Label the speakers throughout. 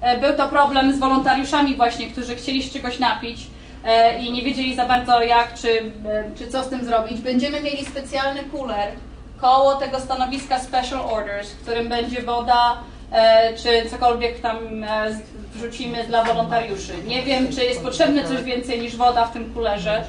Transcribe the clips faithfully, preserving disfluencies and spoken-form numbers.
Speaker 1: był to problem z wolontariuszami właśnie, którzy chcieli się czegoś napić i nie wiedzieli za bardzo jak, czy, czy co z tym zrobić. Będziemy mieli specjalny cooler koło tego stanowiska Special Orders, w którym będzie woda, czy cokolwiek tam wrzucimy dla wolontariuszy. Nie wiem, czy jest potrzebne coś więcej niż woda w tym coolerze.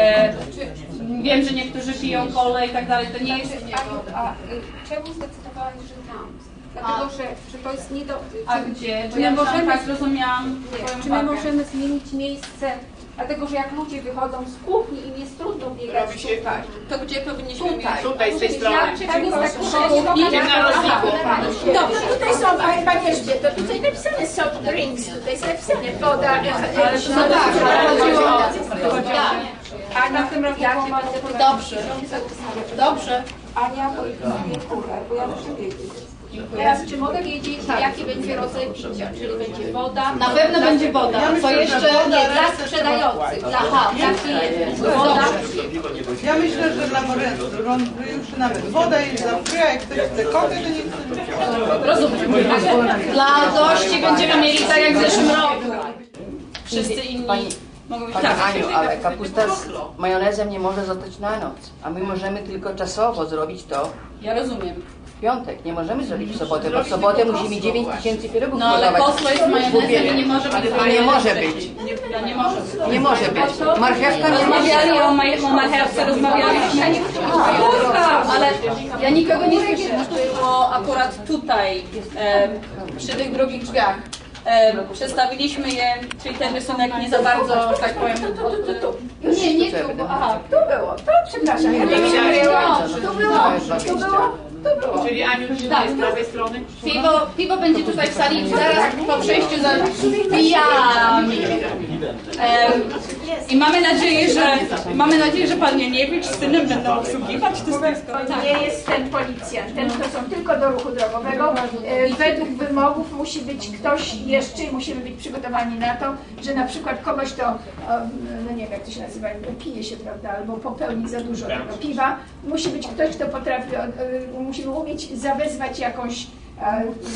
Speaker 1: Wiem, że niektórzy piją kolę i tak dalej, to nie jest...
Speaker 2: A, a czemu zdecydowałaś, że tam? Dlatego, że, że to jest nie do...
Speaker 1: A gdzie?
Speaker 2: Czy
Speaker 1: Bo ja
Speaker 2: my możemy,
Speaker 1: tak zrozumiałam.
Speaker 2: nie, czy my możemy zmienić miejsce? Dlatego, że jak ludzie wychodzą z kuchni, im jest trudno biegać tutaj.
Speaker 3: To gdzie powinniśmy mieć?
Speaker 2: Tutaj,
Speaker 4: Tutaj, z tej strony.
Speaker 2: Tam jest tak
Speaker 4: Idziemy na rozliku.
Speaker 5: Dobrze, tutaj są, ale Pani Elżbieto, tutaj napisane soft drinks, tutaj jest napisane woda, ale
Speaker 1: No tak, ale chodziło o...
Speaker 2: A na tym roku
Speaker 1: Dobrze, dobrze.
Speaker 2: Ania, bo jest kuler, bo ja muszę wiedzieć.
Speaker 5: teraz czy mogę wiedzieć, jaki będzie rodzaj picia, czyli będzie woda?
Speaker 1: Na pewno będzie woda. Co jeszcze?
Speaker 5: Nie, dla sprzedających, dla, aha, dla klientów. Woda.
Speaker 6: Ja myślę, że dla wolontariuszy nawet woda jest za free, a jak ktoś chce kokę, to nie chce.
Speaker 1: Rozumiem. Dla gości będziemy mieli tak jak w zeszłym roku. Wszyscy inni mogą być
Speaker 7: Pani
Speaker 1: tak.
Speaker 7: Aniu, ale kapusta z majonezem nie może zostać na noc, a my możemy tylko czasowo zrobić to
Speaker 1: Ja rozumiem.
Speaker 7: w piątek. Nie możemy zrobić w sobotę, bo w sobotę musimy mieć dziewięć tysięcy pierogów
Speaker 1: No ale
Speaker 7: gotować.
Speaker 1: koslo jest majonezem i nie może być.
Speaker 7: Nie może być.
Speaker 1: No, nie może być.
Speaker 7: Nie może być. Marchewka nie może
Speaker 1: Rozmawiali o, maj- o marchewce, rozmawialiśmy. A, ale ja nikogo nie słyszałam. Było akurat tutaj, e, przy tych drugich drzwiach. E, przedstawiliśmy je, czyli ten rysunek nie za bardzo, że tak powiem, od,
Speaker 5: Nie, nie tu, bo, aha, tu było, to przepraszam, ja nie wiedziałam, tu było, tu było, tu było.
Speaker 4: Czyli Aniu, tak. Z prawej strony.
Speaker 1: piwo, piwo będzie tutaj w sali, zaraz po przejściu za pijami. E, I mamy nadzieję, że mamy nadzieję, że pan Janiewicz z synem będą obsługiwać to stoisko.
Speaker 5: Nie jest ten policjant, ten to są tylko do ruchu drogowego. E, Według wymogów musi być ktoś jeszcze, musimy być przygotowani na to, że na przykład kogoś to, no nie wiem jak to się nazywa, pije się, prawda, albo popełni za dużo tego piwa. Musi być ktoś, kto potrafi, musimy umieć zawezwać jakąś